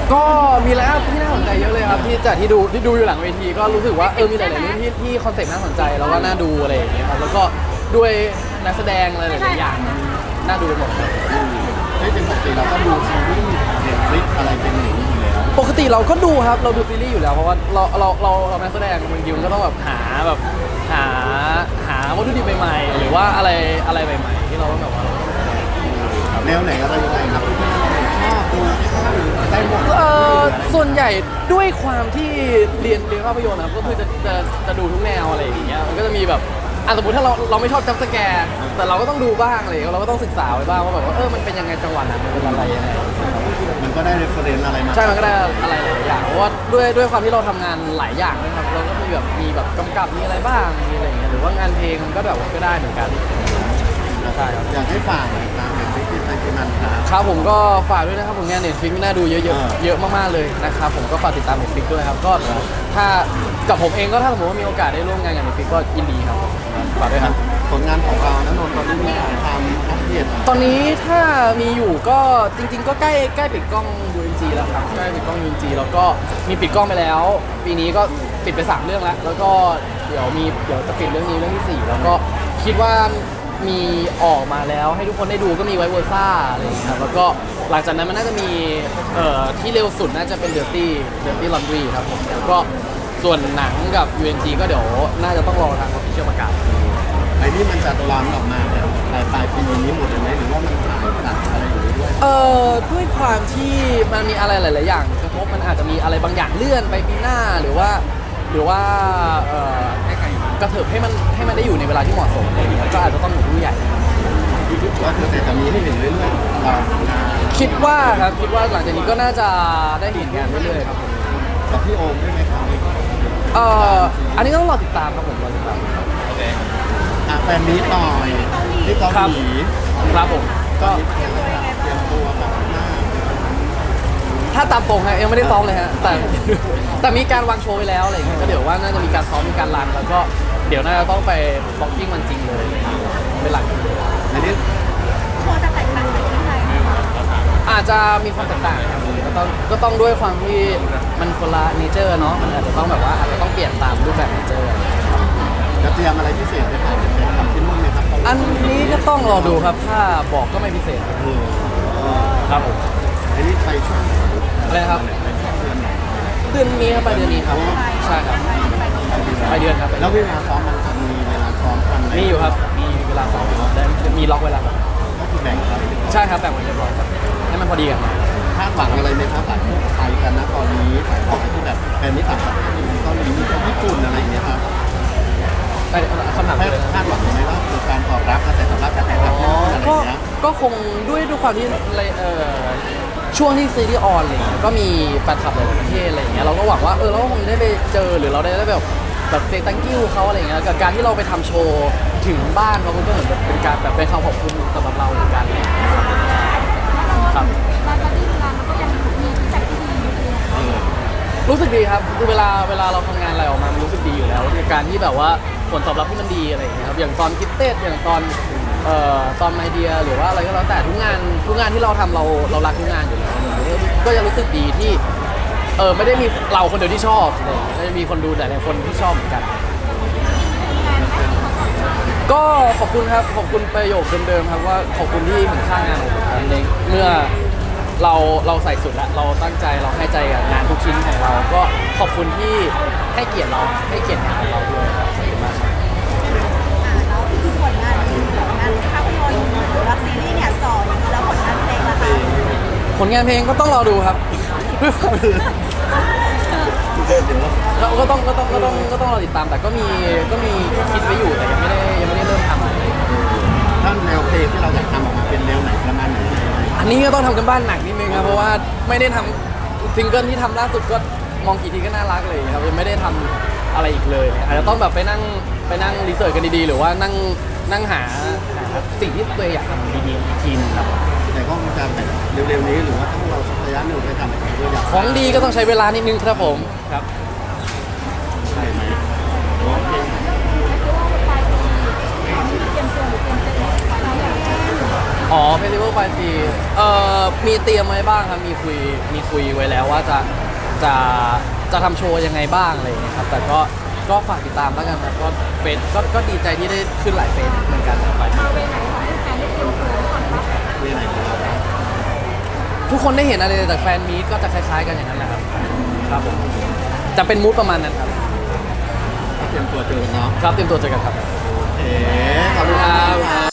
ก็มีอะไรที่น่าสนใจเยอะเลยครับที่ดูอยู่หลังเวทีก็รู้สึกว่ามีหลายๆเรื่องที่คอนเซ็ปต์น่าสนใจแล้วก็น่าดูอะไรอย่างเงี้ยครับแล้วก็ด้วยนักแสดงอะไรหลายๆอย่างน่าดูไปหมดครับไม่เป็นปกติเราก็ดูซีรีส์เน็ตฟลิกอะไรเป็นอย่างนี้อยู่แล้วปกติเราก็ดูครับเราดูซีรีส์อยู่แล้วเพราะว่าเรานักแสดงบางทีมันก็ต้องแบบหาวัตถุดิบใหม่ๆหรือว่าอะไรใหม่ๆที่เราต้องแบบว่าแนวไหนอะไรยังไงครับที่ชอบดูได้หมดส่วนใหญ่ด้วยความที่เรียนภาพยนตร์นะครับก็คือจะดูทุกแนวอะไรอย่างเงี้ยมันก็จะมีแบบสมมติถ้าเราไม่ชอบจัมป์สแกร์แต่เราก็ต้องดูบ้างอะไรเราก็ต้องศึกษาไว้บ้างว่าแบบว่ามันเป็นยังไงจังหวะนั้นมันเป็นอะไรยังไงมันก็ได้เรฟเฟรนซ์อะไรมาใช่มันก็ได้อะไรหลายอย่างเพราะว่าด้วยความที่เราทำงานหลายอย่างนะครับเราก็มีแบบกำกับมีอะไรบ้างมีอะไรอย่างเงี้ยหรือว่างานเพลงมันก็แบบก็ได้เหมือนกันใช่ครับอยากให้ฝากหน่อยครับเน็ตฟลิกที่ไทยที่มันครับครับผมก็ฝากด้วยนะครับผลงาน Netflix น่าดูเยอะมากๆเลยนะครับผมก็ฝากติดตาม Netflix ด้วยครับก็ถ้ากับผมเองก็ถ้าสมมติว่ามีโอกาสได้ร่วมงานกับ Netflix ก็ยินดีครับฝากด้วยครับผลงานของเรานะนนท์ตอนนี้มีถ่ายทำอัปเดตตอนนี้ถ้ามีอยู่ก็จริงๆก็ใกล้ปิดกล้อง UNG แล้วครับใกล้ปิดกล้อง UNG แล้วก็มีปิดกล้องไปแล้ว ปีนี้ก็ปิดไป3เรื่องแล้วก็เดี๋ยวจะปิดเรื่องนี้เรื่องที่4แล้วก็คิดว่ามีออกมาแล้วให้ทุกคนได้ดูก็มีไวเวอร์ซ่าอะไรอย่างเงี้ยครับแล้วก็หลังจากนั้นมันน่าจะมีที่เร็วสุดน่าจะเป็น Dirty Laundry ครับผมแล้วก็ส่วนหนังกับ UNG ก็เดี๋ยวน่าจะต้องรอทาง Official ประกาศไอ้นี่มันจะร้อนออกมาแบบปลายปีนี้หมดเลยไหมหรือว่ามันถ่ายตัดอะไรอย่างนี้ด้วยด้วยความที่มันมีอะไรหลาย ๆ อย่างกระทบมันอาจจะมีอะไรบางอย่างเลื่อนไปปีหน้าหรือว่ากระเถิบให้มันได้อยู่ในเวลาที่เหมาะสมอะไรอย่างเงี้ยก็อาจจะต้องอยู่ผู้ใหญ่ว่าคือแต่จะมีให้เห็นเรื่อยๆเรางานคิดว่าหลังจากนี้ก็น่าจะได้เห็นงานเรื่อย ๆ ครับผมกับพี่โอมด้วยไหมครับอันนี้ต้องรอติดตามครับผมรอติดตามครับแฟนมีตหน่อยที่เกาหลีครับผมก็เตรียมตัวแบบหน้าถ้าตามตรงฮะยังไม่ได้ซ้อมเลยฮะแต่มีการวางโชว์ไว้แล้วอะไรอย่างเงี้ยก็เดี๋ยวว่าน่าจะมีการซ้อมมีการรันแล้วก็เดี๋ยวน่าจะต้องไปบล็อกกิ้งมันจริงเลยเป็นหลักอันนี้โชว์จะแตกต่างจากที่ไทยไหมคะอาจจะมีความแตกต่างครับก็ต้องด้วยความที่มันคนละเนเจอร์เนาะมันอาจจะต้องแบบว่าอาจจะต้องเปลี่ยนตามรูปแบบเนเจอร์จะเตรียมอะไรพิเศษไปถ่ายเป็นกับที่นู่นไหมครับอันนี้ก็ต้องรอดูครับถ้าบอกก็ไม่พิเศษครับผมอันนี้ไปช่วงอะไรนะครับเดือนนี้ครับไปเดือนนี้ครับใช่ครับไปเดือนครับแล้วเวลาซ้อมมันมีเวลาซ้อมกันไหมมีอยู่ครับมีเวลาซ้อมได้มีล็อกเวลาครับก็คือแบ่งกันใช่ครับแบ่งไว้เรียบร้อยครับให้มันพอดีกันคาดหวังอะไรไหมครับหลายคนไทยกันนะตอนนี้ถ่ายทอดที่แบบแฟนมิตรต่างประเทศมีเกาหลีมีญี่ปุ่นอะไรอย่างเงี้ยครับคำถามเลยคาดหวังไหมว่าคือการตอบรับกระแสตอบรับจากแฟนคลับที่นู่นอะไรอย่างเงี้ยก็คงด้วยความที่ช่วงที่ซีรีส์ออนอะไรเงี้ยก็มีแฟนคลับหลายๆประเทศอะไรอย่างเงี้ยเราก็หวังว่าเราคงได้ไปเจอหรือเราได้แบบเซตังกิ้วเขาอะไรเงี้ยกับการที่เราไปทำโชว์ถึงบ้านเขาก็เหมือนเป็นการแบบเป็นคำขอบคุณสำหรับเราเหมือนกันครับตอนที่ทำงานมันก็ยังมีฟีดแบ็กที่ดีอยู่เลยรู้สึกดีครับคือเวลาเราทำงานอะไรออกมามันรู้สึกดีอยู่แล้วคือการที่แบบว่าผลตอบรับที่มันดีอะไรอย่างเงี้ยครับอย่างตอนคิดเต้อย่างตอนไอเดียหรือว่าอะไรก็แล้วแต่ทุกงานที่เราทำเรารักทุกงานอยู่แล้วก็จะรู้สึกดีที่ไม่ได้มีเราคนเดียวที่ชอบอะไรอย่างเงี้ยก็จะมีคนดูหลายๆคนที่ชอบเหมือนกัน ก็ขอบคุณครับขอบคุณประโยคเดิมๆครับว่าขอบคุณที่เห็นค่างานของผมในเมื่อเราใส่สุดแล้วเราตั้งใจเราให้ใจกับงานทุกชิ้นของเราก็ขอบคุณที่ให้เกียรติเราให้เกียรติงานของเราด้วยครับขอบคุณมากครับแล้วคือผลงานภาพยนตร์หรือว่าซีรีส์เนี่ยจ่ออยู่แล้วผลงานเพลงล่ะคะผลงานเพลงก็ต้องรอดูครับ เราก็ต้องรอติดตามแต่ก็มีคิดไว้อยู่แต่ยังไม่ได้เริ่มทำอะไรท่านแนวเพลงที่เราอยากทำออกมาเป็นแนวไหนประมาณไหนอันนี้ก็ต้องทำกันบ้านหนักนิดนึงครับเพราะว่าไม่ได้ทำซิงเกิลที่ทำล่าสุดก็มองกี่ทีก็น่ารักเลยครับยังไม่ได้ทำอะไรอีกเลยอาจจะต้องแบบไปนั่งรีเสิร์ชกันดีๆหรือว่านั่งหาสิ่งที่ตัวเองอยากทำดีๆอีกทีนึงครับแต่ก็จะแบบเร็วๆนี้หรือว่าต้องเราสักระยะหนึ่งไปทำอะไรด้วยอยากของดีก็ต้องใช้เวลานิดนึงครับผมครับใช่ไหมโอเคอ๋อเฟสติวัลปลายปีมีเตรียมไว้บ้างครับมีคุยไว้แล้วว่าจะทำโชว์ยังไงบ้างอะไรอย่างเงี้ยครับแต่ก็ฝากติดตามแล้วกันครับก็เฟซก็ดีใจที่ได้ขึ้นหลายเฟซเหมือนกันปลายปีเวไหนครับทุกคนได้เห็นอะไรจากแฟนมีตก็จะคล้ายๆกันอย่างนั้นแหละครับครับผมจะเป็นมูดประมาณนั้นครับเตรียมตัวเจอกันเนาะครับเตรียมตัวเจอกันครับเอ๋ขอบคุณครับ